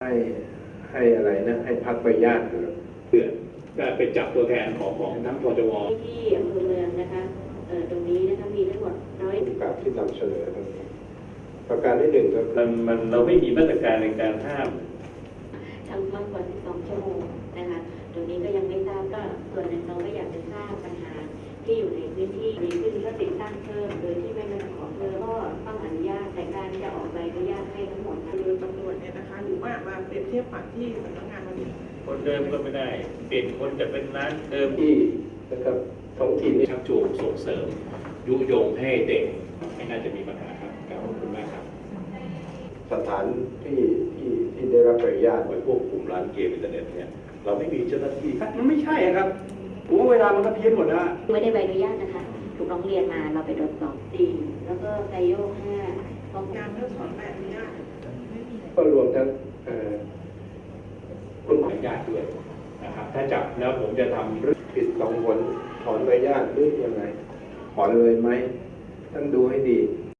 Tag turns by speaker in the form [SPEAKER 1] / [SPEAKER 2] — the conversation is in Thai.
[SPEAKER 1] ให้อะไรนะให้พักใบญาติเ
[SPEAKER 2] พื่อก็เป็นจับตัวแทนของทั้งพจว.
[SPEAKER 3] ที่อำเภอเมืองนะคะตรงนี้นะคะมีทั้งหมด
[SPEAKER 1] ผู้กับที่นำเสนอประการที่หนึ่งก็
[SPEAKER 2] เราไม่มีมาตรการในการห้าม
[SPEAKER 3] ทำมากกว่า12 ชั่วโมงนะคะตรงนี้ก็ยังไม่ทราบก็ส่วนหนึ่งเราก็อยากจะทราบปัญหาที่อยู่ในพื้นที่ดีขึ้นก็ติดตั้งเพิ่มโดยที่ไม่ต้องขอเพิ่มก็ต้องอนุญาตแต่การจะออกใบอนุญาตให้ทั้งหมด
[SPEAKER 4] โดยตำรวจเนี่ยนะคะหรือว่ามาเปรียบเทียบปรับที่สำนักงานวันนี้
[SPEAKER 2] คนเดิมก็ไม่ได้เปลี่ยนคนจะเป็นร้านเดิม
[SPEAKER 1] ที่นะครับท้องถิ่นนี่
[SPEAKER 2] ชักจูงส่งเสริมยุยงให้เด็กไม่น่าจะมีปัญหาครับขอบคุณมากครับ
[SPEAKER 1] สถานที่ได้รับอนุญาต
[SPEAKER 2] ไว้ควบคุมร้านเกมอินเทอร์เน็ตเนี่ยเราไม่มีเจ้าหน้าที่
[SPEAKER 5] มันไม่ใช่ครับผมว่าเวลามันก็เพี้ยนหมดแล้ว
[SPEAKER 3] ไม่ได้ใบอนุญาตนะคะถูกร้องเรียนมาเราไปตรวจสอบ4แล้วก็ไกโยก5ป้อง
[SPEAKER 4] การเพิกถอนใบอนุญาต
[SPEAKER 1] ก็รวมทั้ง
[SPEAKER 2] คุณขออนุญาตด้วยนะครับถ้าจับแล้วผมจะทำ
[SPEAKER 1] ผิด2 ผลถอนใบอนุญาตหรือยังไงถอนเลยไหมต้องดูให้ดี